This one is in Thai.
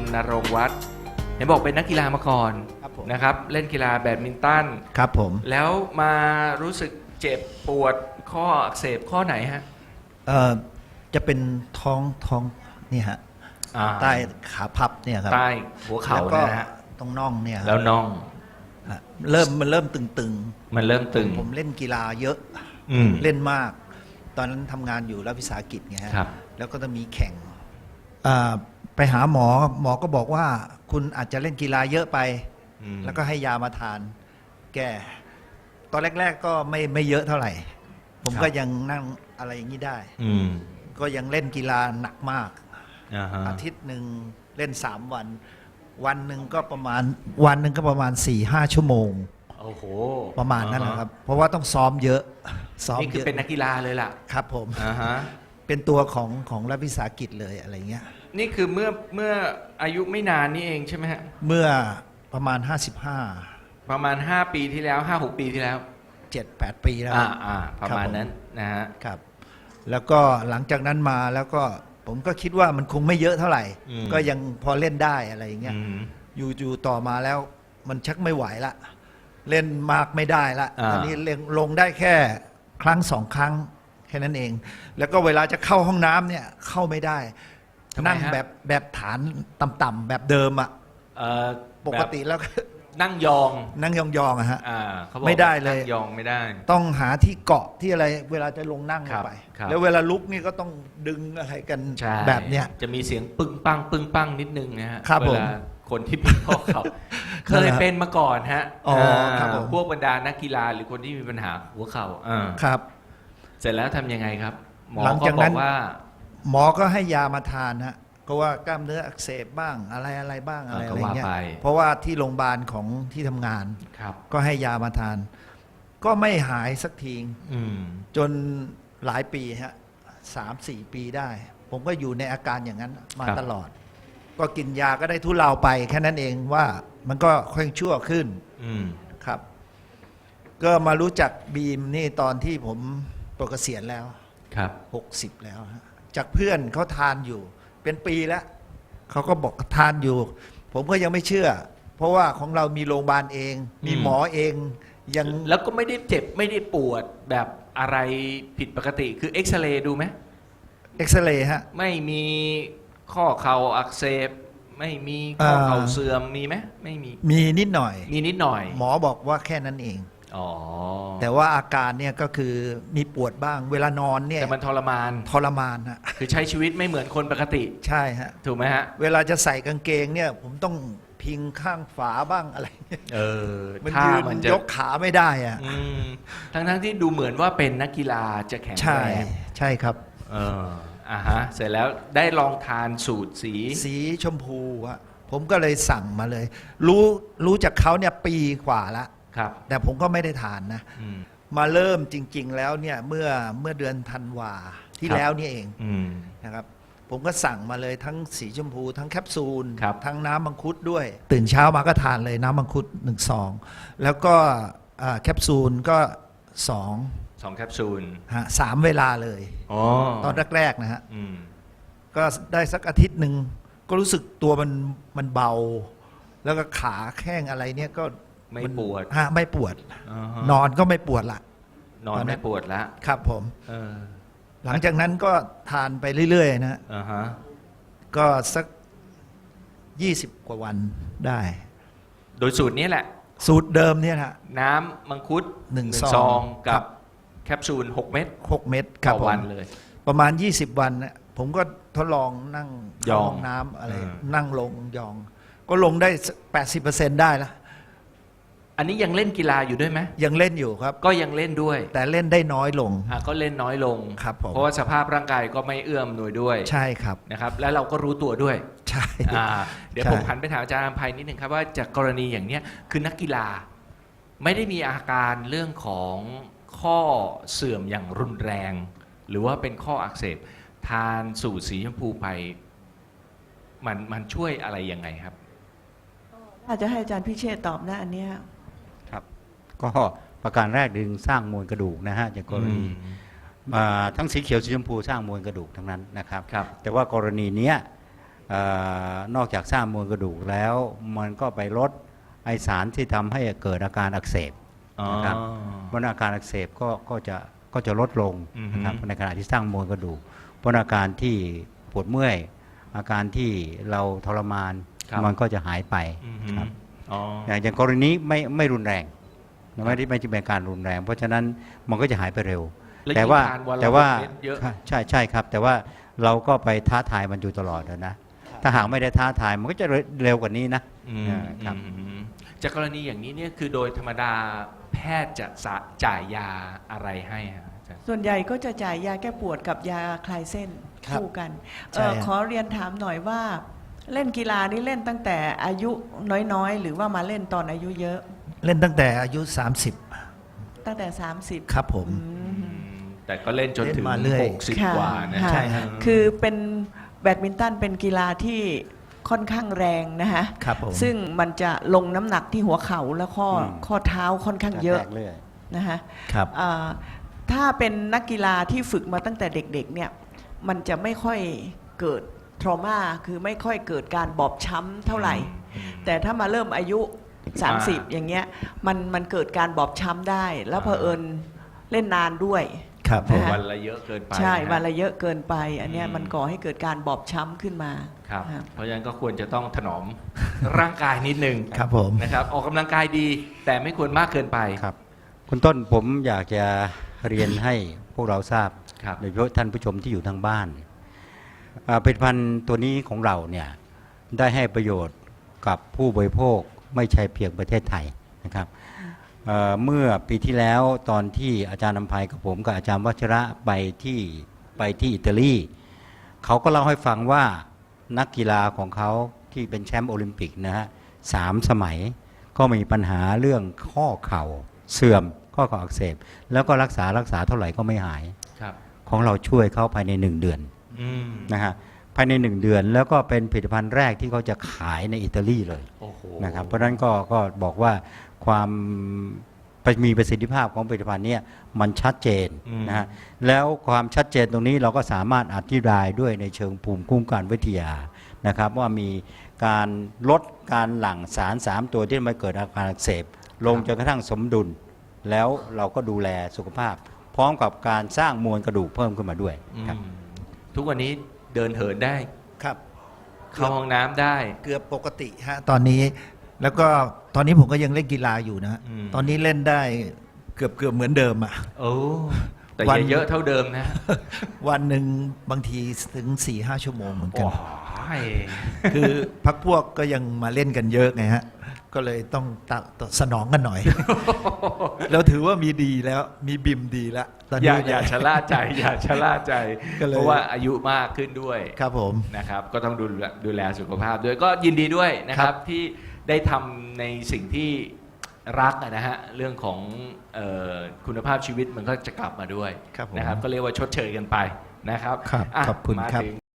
ณรงค์วัฒน์เห็นบอกเป็นนักกีฬามาก่อนครับผมนะครับเล่นกีฬาแบดมินตันครับผมแล้วมารู้สึกเจ็บปวดข้ออักเสบข้อไหนฮะจะเป็นท้องนี่ฮะอ่าใต้ขาพับเนี่ยครับใต้หัวเข่าแล้วก็นะฮะตรงน่องเนี่ยครับแล้วน่องฮะมันเริ่มตึงมันเริ่มตึงผมเล่นกีฬาเยอะอืมเล่นมาก ตอนนั้นทำงานอยู่รัฐวิสาหกิจไงฮะครับแล้วก็จะมีแข่งไปหาหมอก็บอกว่าคุณอาจจะเล่นกีฬาเยอะไปอืมแล้วก็ให้ยามาทาน แก้ตอนแรก ๆ ก็ไม่เยอะเท่าไหร่ ผมก็ยังนั่งอะไรอย่างนี้ได้อืมก็ยังเล่นกีฬาหนักมากอ่าฮะอาทิตย์หนึ่งเล่น3 วัน วันหนึ่งก็ประมาณ 4-5 ชั่วโมงโอ้โหประมาณนั้นนะครับ เพราะว่าต้องซ้อมเยอะซ้อมนี่คืเยออะเป็นนักกีฬาเลยล่ะครับผมอ่าฮะเป็นตัวของรัฐวิสาหกิจเลยอะไรเงี้ยนี่คือเมื่ออายุไม่นานนี่เองใช่ไหมฮะเมื่อประมาณประมาณ 5 ปีที่แล้ว 5-6 ปีที่แล้ว 55 7-8 ปีแล้วประมาณนั้นนะฮะครับ แล้วก็หลังจากนั้นมาแล้วก็ผมก็คิดว่ามันคงไม่เยอะเท่าไหร่อืมก็ยังพอเล่นได้อะไรอย่างเงี้ยอืมอยู่ต่อมาแล้วมันชักไม่ไหวละ เล่นมากไม่ได้ละอ่าตอนนี้ลงได้แค่ครั้ง 2 ครั้งแค่นั้นเอง แล้วก็เวลาจะเข้าห้องน้ำเนี่ยเข้าไม่ได้ทำไมฮะนั่งแบบฐานต่ำๆแบบเดิมอะเอ่อปกติแล้วนั่งยองนั่งยองๆอะฮะเขาบอกไม่ได้เลยนั่งยองไม่ได้ต้องหาที่เกาะที่อะไร เวลาจะลงนั่งลครังบไปครับแล้วเวลาลุกนี่ก็ต้องดึงอะไรกันใช่แบบเนี้ยจะมีเสียงปึ้งปังนิดนึงนะฮะครับเวผมลาคนที่เป็นข้อเข่าเคยเป็นมาก่อนฮะอ๋อครับผมพวกบรรดานักกีฬาหรือคนที่มีปัญหาหัวเข่าครับเสร็จแล้วทำยังไงครับ หมอหลังก็จากบนั้อน กว่าหมอก็ให้ยามาทานฮะก็ว่ากล้ามเนื้ออักเสบบ้างอะไรบ้างอะไรก็อะไรว่าเงี้ยไปเพราะว่าที่โรงพยาบาลของที่ทำงานครับก็ให้ยามาทาน ก็ไม่หายสักทีอืมจนหลายปีฮะ3-4 ปีได้ ผมก็อยู่ในอาการอย่างนั้นมาตลอด ก็กินยาก็ได้ทุเลาไปแค่นั้นเองว่ามันก็ค่อยชั่วขึ้นอืมครับ ก็มารู้จักบีมนี่ตอนที่ผมปลดเกษียณแล้วครับ 60 แล้วฮะจากเพื่อนเขาทานอยู่ เป็นปีแล้วเขาก็บอกทานอยู่ ผมก็ยังไม่เชื่อ เพราะว่าของเรามีโรงพยาบาลเอง มีหมอเองยังแล้วก็ไม่ได้เจ็บไม่ได้ปวดแบบอะไรผิดปกติคือเอ็กซเรย์ดูไหมเอ็กซเรย์ฮะไม่มีข้อเข่าอักเสบ ไม่มีข้อเข่าเสื่อมมีไหมไม่มีมีนิดหน่อยมีนิดหน่อยหมอบอกว่าแค่นั้นเองอ๋อแต่ว่าอาการเนี่ยก็คือมีปวดบ้าง เวลานอนเนี่ยแต่มันทรมานทรมานฮะคือใช้ชีวิตไม่เหมือนคนปกติใช่ฮะถูกไหมฮะเวลาจะใส่กางเกงเนี่ย ผมต้องพิงข้างฝาบ้างอะไรเนี่ยเออมันถ้ายืนมันจะยกขาไม่ได้อะอืมทั้งที่ดูเหมือนว่าเป็นนักกีฬาจะแข็งใช่แรงใช่ครับเออฮะ เสร็จแล้วได้ลองทานสูตรสีสีชมพูอะผมก็เลยสั่งมาเลย รู้จากเขาเนี่ยปีกว่าละครับแต่ผมก็ไม่ได้ทานนะอืมมาเริ่มจริง ๆ แล้วเนี่ยเมื่อเดือนธันวาที่ครับแล้วนี่เองอืมนะครับ ผมก็สั่งมาเลยทั้งสีชมพู ทั้งแคปซูลครับทั้งน้ำมังคุดด้วย ตื่นเช้ามาก็ทานเลยน้ำมังคุด1 ซองแล้วก็แคปซูลก็2 2 แคปซูลฮะ3 เวลาเลยอ๋อตอนแรกๆนะฮะอืมก็ได้สักอาทิตย์หนึ่งก็รู้สึกตัวมันเบา แล้วก็ขาแข้งอะไรเนี่ยก็ไม่ปวดฮะไม่ปวดอ่าฮะนอนก็ไม่ปวดละนอนตอนนั้ไม่นปวดละครับผมเออหลังจากนั้นก็ทานไปเรื่อยๆนะอ่าฮะก็สัก20 กว่าวันได้โดยสูตรนี้แหละสูตรเดิมเนี่ยนะน้ำมังคุดหนึ่งซซออง งกัครับ บแคปซูล 6 เม็ด 6 เม็ดครับต่อผมวันเลยประมาณ 20 วันนะผมก็ทดลองนั่งยเข้าองห้องน้ำอะไรนั่นั่งลงยอง ก็ลงได้ 80%ได้แล้วอันนี้ยังเล่นกีฬาอยู่ด้วยไหมยังเล่นอยู่ครับก็ยังเล่นด้วยแต่เล่นได้น้อยลงก็เล่นน้อยลงครับผมเพราะว่าสภาพร่างกายก็ไม่เอื้อมหน่วยด้วยใช่ครับนะครับ แล้วเราก็รู้ตัวด้วยใช่เดี๋ยวใช่ผมหันไปถามอาจารย์อภัยนิดนึงครับว่าจากกรณีอย่างเนี้ยคือนักกีฬาไม่ได้มีอาการเรื่องของข้อเสื่อมอย่างรุนแรง หรือว่าเป็นข้ออักเสบทานสูตรสีชมพูไปมันช่วยอะไรยังไงครับอาจจะให้อาจารย์พิเชษฐ์ตอบนะอันเนี้ยครับก็ประการแรกดึงสร้างมวลกระดูกนะฮะจากกรณีทั้งสีเขียวสีชมพูสร้างมวลกระดูกทั้งนั้นนะครับครับแต่ว่ากรณีเนี้ยนอกจากสร้างมวลกระดูกแล้วมันก็ไปลดไอสารที่ทำให้เกิดอาการอักเสบ นะครับ เพราะอาการอักเสบก็จะลดลงนะครับในขณะที่สร้างมวลกระดูกเพราะอาการที่ปวดเมื่อยอาการที่เราทรมานครับมันก็จะหายไปครับอ๋ออย่างกรณีไม่รุนแรงไม่ได้เป็นการรุนแรง เพราะฉะนั้นมันก็จะหายไปเร็วแล้วแต่ว่ายิ่งทนนละแต่ว่าเม็ดเยอะใช่ครับ แต่ว่าเราก็ไปท้าทายมันอยู่ตลอดนะถ้าหากไม่ได้ท้าทายมันก็จะเร็วกว่านี้นะอืมครับอืมจากกรณีอย่างนี้เนี่ยคือโดยธรรมดาแพทย์จะจ่ายยาอะไรให้ฮะอาจารย์ส่วนใหญ่ก็จะจ่ายยาแก้ปวดกับยาคลายเส้นครับคู่กันใช่ฮะขอเรียนถามหน่อยว่าเล่นกีฬานี่เล่นตั้งแต่อายุน้อยๆ หรือว่ามาเล่นตอนอายุเยอะเล่นตั้งแต่อายุตั้งแต่ 30 30 ครับผมแต่ก็เล่นจนถึงเล่นมาเรื่อย 60 กว่านะค่ะใช่ฮะคือเป็นแบดมินตันเป็นกีฬาที่ค่อนข้างแรงนะฮะครับผมซึ่งมันจะลงน้ำหนักที่หัวเข่าและข้อเท้าค่อนข้างเยอะแตกเรื่อยนะฮะครับถ้าเป็นนักกีฬาที่ฝึกมาตั้งแต่เด็กๆเนี่ยมันจะไม่ค่อยเกิดทรมาคือไม่ค่อยเกิดการบอบช้ำเท่าไหร่ แต่ถ้ามาเริ่มอายุ 30 อย่างเงี้ยมันเกิดการบอบช้ำได้ แล้วเผอิญเล่นนานด้วยครับผมนะฮะวันละเยอะเกินไปใช่นะวันละเยอะเกินไป อันเนี้ยอืมมันก่อให้เกิดการบอบช้ำขึ้นมาครับครับเพราะฉะนั้นก็ควรจะต้องถนอม ร่างกายนิดนึงครับผมนะครับ ออกกำลังกายดี แต่ไม่ควรมากเกินไปครับคุณต้นผมอยากจะเรียนให้พวกเราทราบครับโดยเฉพาะท่านผู้ชมที่อยู่ทางบ้านผลิตภัณฑ์ตัวนี้ของเราเนี่ยได้ให้ประโยชน์กับผู้บริโภคไม่ใช่เพียงประเทศไทยนะครับเมื่อปีที่แล้วตอนที่อาจารย์นำภัยกับผมกับอาจารย์วัชระไปที่อิตาลีเขาก็เล่าให้ฟังว่านักกีฬาของเขาที่เป็นแชมป์โอลิมปิกนะฮะ3 สมัยก็มีปัญหาเรื่องข้อเข่าเสื่อมข้อเข่าอักเสบแล้วก็รักษาเท่าไหร่ก็ไม่หายครับของเราช่วยเขาภายใน1 เดือนอืมนะฮะภายใน1 เดือนแล้วก็เป็นผลิตภัณฑ์แรกที่เขาจะขายในอิตาลีเลยโอ้โหนะครับเพราะฉะนั้นก็บอกว่าความมีประสิทธิภาพของผลิตภัณฑ์เนี้มันชัดเจนนะฮะแล้วความชัดเจนตรงนี้เราก็สามารถอธิบายด้วยในเชิงภูมิคุ้มกันวิทยานะครับว่ามีการลดการหลั่งสาร3 ตัวที่ทำให้เกิดอาการอักเสบลงจนกระทั่งสมดุล แล้วเราก็ดูแลสุขภาพ พร้อมกับการสร้างมวลกระดูกเพิ่มขึ้นมาด้วยครับอืมทุกวันนี้เดินเหินได้ครับเข้าห้องน้ำได้เกือบปกติฮะตอนนี้แล้วก็ตอนนี้ผมก็ยังเล่นกีฬาอยู่นะฮะอืมตอนนี้เล่นได้เกือบเหมือนเดิมอ่ะโอ้แต่วันอย่าเยอะเท่าเดิมนะวันหนึ่งบางทีถึง 4-5 ชั่วโมงเหมือนกัโอ้นยคือพักพวกก็ยังมาเล่นกันเยอะไงฮะ ก็เลยต้องสนองกันหน่อย เราถือว่ามีดีแล้วมีบิมดีแล้วตอนอย่านี้อย่าชะล่าใจ อย่าชะล่าใจก็เลยเพราะว่าอายุมากขึ้นด้วยครับผมนะครับ ก็ต้องดูแลสุขภาพด้วยก็ยินดีด้วยนะครับที่ได้ทำในสิ่งที่รักนะฮะเรื่องของคุณภาพชีวิตมันก็จะกลับมาด้วยครับผมนะครับ ก็เรียกว่าชดเชยกันไปนะครับครับอ่ะขอบคุณมาครับถึง